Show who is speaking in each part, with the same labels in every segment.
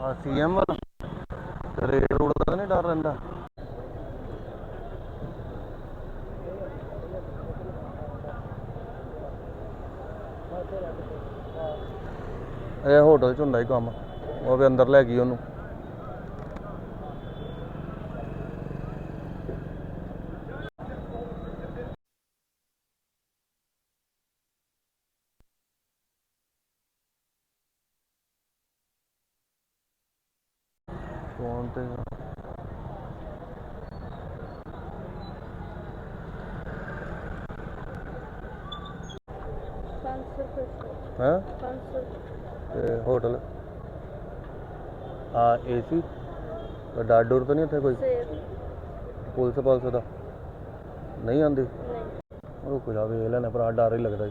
Speaker 1: CM ਵਾਲਾ raid road ਦਾ ਨਹੀਂ ਡਰ ਰਹਿੰਦਾ। ਇਹ ਹੋਟਲ 'ਚ ਹੁੰਦਾ ਹੀ ਕੰਮ, ਉਹ ਵੀ ਅੰਦਰ ਲੈ ਗਈ ਉਹਨੂੰ। ਫੋਨ ਤੇ ਹੈ ਤੇ ਹੋਟਲ AC ਡਰ ਡੁਰ ਤਾਂ ਨਹੀਂ ਉੱਥੇ ਕੋਈ? ਪੁਲਿਸ ਦਾ ਨਹੀਂ ਆਉਂਦੀ? ਰੁਕ ਜਾ ਵੇਖ ਲੈਣਾ ਭਰਾ, ਡਰ ਹੀ ਲੱਗਦਾ ਜੀ।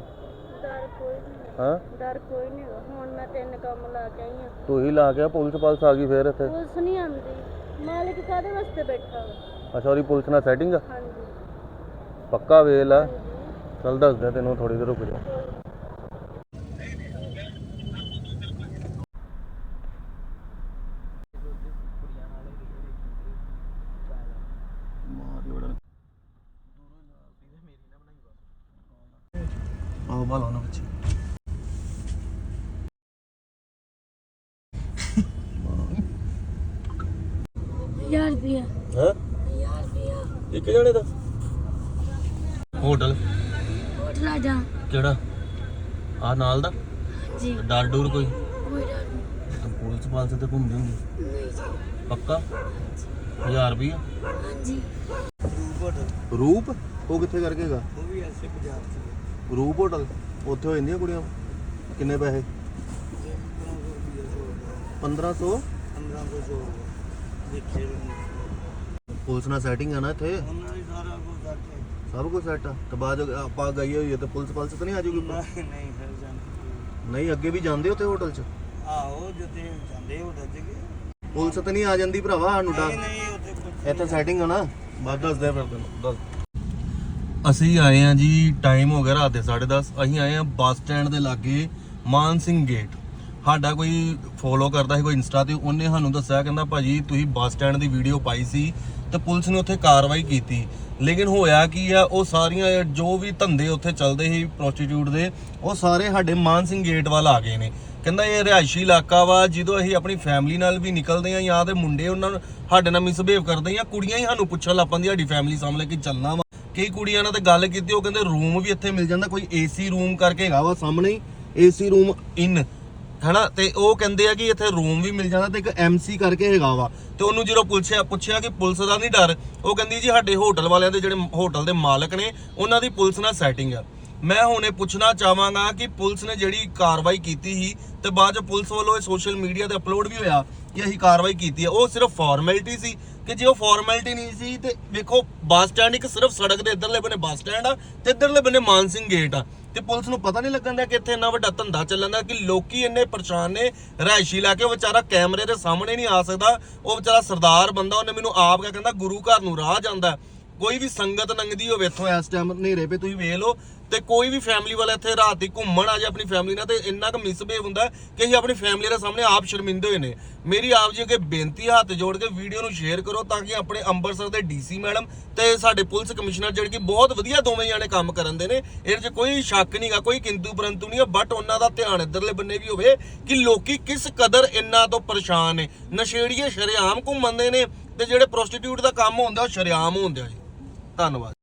Speaker 2: ਡਰ ਕੋਈ ਨਹੀਂ ਹੈਗਾ। ਹੁਣ ਮੈਂ 3 ਕੰਮ ਲਾ ਕੇ ਆਈ ਹਾਂ।
Speaker 1: ਤੂੰ ਹੀ ਲਾ ਕੇ ਪੁਲਿਸ ਆ ਗਈ ਫੇਰ ਇੱਥੇ?
Speaker 2: ਪੁਲਿਸ ਨਹੀਂ ਆਉਂਦੀ, ਮਾਲਿਕ ਕਾਹਦੇ ਵਾਸਤੇ ਬੈਠਾ ਵਾ?
Speaker 1: ਅੱਛਾ, ਉਹਦੀ ਪੁਲਿਸ ਨਾਲ ਸੈਟਿੰਗ ਆ?
Speaker 2: ਹਾਂਜੀ
Speaker 1: ਪੱਕਾ ਵੇਖ ਲੈ। ਚੱਲ ਦੱਸਦਾ ਤੈਨੂੰ, ਥੋੜੀ ਦੇਰ ਰੁਕ ਜਾ। ਆਹ ਬਾਲਾ ਨਾ ਬੱਚੇ
Speaker 2: 1000 ਰੁਪਇਆ।
Speaker 1: ਹੈ
Speaker 2: 1000 ਰੁਪਇਆ
Speaker 1: ਇੱਕ ਜਣੇ ਦਾ? ਹੋਟਲ
Speaker 2: ਆ ਜਾ।
Speaker 1: ਕਿਹੜਾ? ਆ ਨਾਲ ਦਾ?
Speaker 2: ਜੀ
Speaker 1: ਡਰ ਡੂਰ ਕੋਈ?
Speaker 2: ਕੋਈ ਡਰ
Speaker 1: ਤਾਂ ਪੁਲਿਸ ਤੇ ਘੁੰਮਦੀ ਹੁੰਦੀ?
Speaker 2: ਨਹੀਂ ਜੀ।
Speaker 1: ਪੱਕਾ 1000 ਰੁਪਇਆ?
Speaker 2: ਹਾਂਜੀ।
Speaker 1: ਰੂਪ ਉਹ ਕਿੱਥੇ ਕਰਕੇ ਹੈਗਾ?
Speaker 3: ਉਹ ਵੀ ਐਸੇ ਬਾਜ਼ਾਰ ਚ।
Speaker 1: ਰੂਪ ਹੋਟਲ ਉੱਥੇ ਹੋ ਜਾਂਦੀਆਂ ਕੁੜੀਆਂ? ਕਿੰਨੇ ਪੈਸੇ? 1500?
Speaker 3: 1500 ਦੇਖੇ
Speaker 1: ਪੁਲਿਸ ਨਾਲ ਸੈਟਿੰਗ ਆ ਨਾ ਇੱਥੇ?
Speaker 3: ਉਹਨਾਂ ਦੀ ਸਾਰਾ ਕੁਝ ਕਰਕੇ।
Speaker 1: ਸਭ ਕੁਝ ਸੈੱਟ ਆ ਤੇ ਬਾਅਦ ਆਪਾਂ ਗਈ ਹੋਈ ਹੈ ਤੇ ਪੁਲਿਸ ਤਾਂ ਨਹੀਂ ਆ ਜਾਊਗੀ?
Speaker 3: ਨਹੀਂ ਫਿਰ ਜਾਂਦੇ।
Speaker 1: ਨਹੀਂ ਅੱਗੇ ਵੀ ਜਾਂਦੇ ਉੱਥੇ ਹੋਟਲ 'ਚ?
Speaker 3: ਆਹੋ ਜਿੱਥੇ ਜਾਂਦੇ ਉਹ ਦੱਜ ਗਏ।
Speaker 1: ਪੁਲਿਸ ਤਾਂ ਨਹੀਂ ਆ ਜਾਂਦੀ ਭਰਾਵਾ ਸਾਨੂੰ ਡਰ?
Speaker 3: ਨਹੀਂ ਉੱਥੇ ਕੁਝ
Speaker 1: ਇੱਥੇ ਸੈਟਿੰਗ ਆ ਨਾ? ਬਾਅਦ ਦੱਸਦੇ ਫਿਰ ਤੈਨੂੰ ਦੱਸ। ਅਸੀਂ ਆਏ ਆ ਜੀ, ਟਾਈਮ ਹੋ ਗਿਆ ਰਾਤ ਦੇ 10:30। ਅਸੀਂ ਆਏ ਆ ਬੱਸ ਸਟੈਂਡ ਦੇ ਲਾਗੇ ਮਾਨ ਸਿੰਘ ਗੇਟ। ਸਾਡਾ ਕੋਈ ਫੋਲੋ ਕਰਦਾ ਸੀ ਕੋਈ ਇੰਸਟਾ ਤੇ, ਉਹਨੇ ਸਾਨੂੰ ਦੱਸਿਆ, ਕਹਿੰਦਾ ਭਾਜੀ ਤੁਸੀਂ ਬੱਸ ਸਟੈਂਡ ਦੀ ਵੀਡੀਓ ਪਾਈ ਸੀ ਤੇ ਪੁਲਿਸ ਨੇ ਉੱਥੇ ਕਾਰਵਾਈ ਕੀਤੀ। ਲੇਕਿਨ ਹੋਇਆ ਕੀ ਆ, ਉਹ ਸਾਰੀਆਂ ਜੋ ਵੀ ਧੰਦੇ ਉੱਥੇ ਚੱਲਦੇ ਸੀ ਪ੍ਰੋਸਟੀਟਿਊਟ ਦੇ, ਉਹ ਸਾਰੇ ਸਾਡੇ ਮਾਨ ਸਿੰਘ ਗੇਟ ਵੱਲ ਆ ਗਏ ਨੇ। ਕਹਿੰਦਾ ਇਹ ਰਿਹਾਇਸ਼ੀ ਇਲਾਕਾ ਵਾ, ਜਦੋਂ ਅਸੀਂ ਆਪਣੀ ਫੈਮਿਲੀ ਨਾਲ ਵੀ ਨਿਕਲਦੇ ਆ ਜਾਂ ਤੇ ਮੁੰਡੇ ਉਹਨਾਂ ਨੂੰ ਸਾਡੇ ਨਾਲ ਮਿਸਬਿਹੇਵ ਕਰਦੇ ਜਾਂ ਕੁੜੀਆਂ ਹੀ ਸਾਨੂੰ ਪੁੱਛਣ ਲੱਗ ਪੈਂਦੀਆਂ ਸਾਡੀ ਫੈਮਿਲੀ ਸਾਹਮਣੇ ਕਿ ਚੱਲਣਾ ਵਾ। ਕਈ ਕੁੜੀਆਂ ਨਾਲ ਤੇ ਗੱਲ ਕੀਤੀ, ਉਹ ਕਹਿੰਦੇ ਰੂਮ ਵੀ ਇੱਥੇ ਮਿਲ ਜਾਂਦਾ, ਕੋਈ AC ਰੂਮ ਕਰਕੇ ਹੈਗਾ ਵਾ ਸਾਹਮਣੇ ਹੀ, AC ਰੂਮ ਇਨ ਹੈਨਾ। ਤੇ ਉਹ ਕਹਿੰਦੇ ਆ ਕਿ ਇੱਥੇ ਰੂਮ ਵੀ ਮਿਲ ਜਾਂਦਾ ਤੇ ਇੱਕ MC ਕਰਕੇ ਹੈਗਾ ਵਾ। ਤੇ ਉਹਨੂੰ ਜਦੋਂ ਪੁੱਛਿਆ ਕਿ ਪੁਲਿਸ ਦਾ ਨਹੀਂ ਡਰ, ਉਹ ਕਹਿੰਦੀ ਜੀ ਸਾਡੇ ਹੋਟਲ ਵਾਲਿਆਂ ਦੇ ਜਿਹੜੇ ਹੋਟਲ ਦੇ ਮਾਲਕ ਨੇ ਉਹਨਾਂ ਦੀ ਪੁਲਿਸ ਨਾਲ ਸੈਟਿੰਗ ਆ। ਮੈਂ ਹੁਣ ਇਹ ਪੁੱਛਣਾ ਚਾਹਾਂਗਾ ਕਿ ਪੁਲਿਸ ਨੇ ਜਿਹੜੀ ਕਾਰਵਾਈ ਕੀਤੀ ਸੀ ਤੇ ਬਾਅਦ ਚ ਪੁਲਿਸ ਵੱਲੋਂ ਇਹ ਸੋਸ਼ਲ ਮੀਡੀਆ ਤੇ ਅਪਲੋਡ ਵੀ ਹੋਇਆ ਕਿ ਅਸੀਂ ਕਾਰਵਾਈ ਕੀਤੀ ਹੈ, ਉਹ ਸਿਰਫ ਫਾਰਮੈਲਿਟੀ ਸੀ? ਕਿ ਜੇ ਉਹ ਫਾਰਮੈਲਿਟੀ ਨਹੀਂ ਸੀ ਤੇ ਵੇਖੋ ਬੱਸ ਸਟੈਂਡ ਇੱਕ ਸਿਰਫ ਸੜਕ ਦੇ ਇੱਧਰਲੇ ਬੰਨੇ ਬੱਸ ਸਟੈਂਡ ਆ ਤੇ ਇੱਧਰਲੇ ਬੰਨੇ ਮਾਨ ਸਿੰਘ ਗੇਟ ਆ, ਤੇ ਪੁਲਿਸ ਨੂੰ ਪਤਾ ਨਹੀਂ ਲੱਗਣ ਦਾ ਕਿ ਇੱਥੇ ਇੰਨਾ ਵੱਡਾ ਧੰਦਾ ਚੱਲਣ ਦਾ, ਕਿ ਲੋਕੀ ਇੰਨੇ ਪਰੇਸ਼ਾਨ ਨੇ। ਰਿਹਾਇਸ਼ੀ ਲਾ ਕੇ ਉਹ ਵਿਚਾਰਾ ਕੈਮਰੇ ਦੇ ਸਾਹਮਣੇ ਨਹੀਂ ਆ ਸਕਦਾ, ਉਹ ਵਿਚਾਰਾ ਸਰਦਾਰ ਬੰਦਾ, ਉਹਨੇ ਮੈਨੂੰ ਆਪ ਕਿਹਾ, ਕਹਿੰਦਾ ਗੁਰੂ ਘਰ ਨੂੰ ਰਾਹ ਜਾਂਦਾ, ਕੋਈ ਵੀ ਸੰਗਤ ਲੰਘਦੀ ਹੋਵੇ ਇੱਥੋਂ ਇਸ ਟਾਈਮ ਹਨੇਰੇ ਪੇ ਤੁਸੀਂ ਵੇਖ ਲਓ, ਤੇ ਕੋਈ ਵੀ ਫੈਮਿਲੀ ਵਾਲਾ ਇੱਥੇ ਰਾਤ ਦੀ ਘੁੰਮਣ ਆ ਜਾ ਆਪਣੀ ਫੈਮਿਲੀ ਨਾਲ, ਤੇ ਇੰਨਾ ਕੁ ਮਿਸਬਿਹੇਵ ਹੁੰਦਾ ਕਿ ਅਸੀਂ ਆਪਣੀ ਫੈਮਿਲੀ ਦੇ ਸਾਹਮਣੇ ਆਪ ਸ਼ਰਮਿੰਦੇ ਹੋਏ ਨੇ। ਮੇਰੀ ਆਪ ਜੀ ਅੱਗੇ ਬੇਨਤੀ, ਹੱਥ ਜੋੜ ਕੇ ਵੀਡੀਓ ਨੂੰ ਸ਼ੇਅਰ ਕਰੋ ਤਾਂ ਕਿ ਆਪਣੇ ਅੰਮ੍ਰਿਤਸਰ ਦੇ DC ਮੈਡਮ ਤੇ ਸਾਡੇ ਪੁਲਿਸ ਕਮਿਸ਼ਨਰ ਜਿਹੜੇ ਕਿ ਬਹੁਤ ਵਧੀਆ ਦੋਵੇਂ ਜਾਣੇ ਕੰਮ ਕਰਨ ਦੇ ਨੇ, ਇਹਦੇ 'ਚ ਕੋਈ ਸ਼ੱਕ ਨਹੀਂਗਾ, ਕੋਈ ਕਿੰਤੂ ਪਰੰਤੂ ਨਹੀਂ ਆ, ਬਟ ਉਹਨਾਂ ਦਾ ਧਿਆਨ ਇੱਧਰਲੇ ਬੰਨੇ ਵੀ ਹੋਵੇ ਕਿ ਲੋਕੀ ਕਿਸ ਕਦਰ ਇੰਨਾ ਤੋਂ ਪਰੇਸ਼ਾਨ ਨੇ। ਨਸ਼ੇੜੀਏ ਸ਼ਰੇਆਮ ਘੁੰਮਦੇ ਨੇ ਤੇ ਜਿਹੜੇ ਪ੍ਰੋਸਟੀਟਿਊਟ ਦਾ ਕੰਮ ਹੁੰਦਾ ਉਹ ਸ਼ਰੇਆਮ ਹੁੰਦਾ ਜੀ। ਧੰਨਵਾਦ।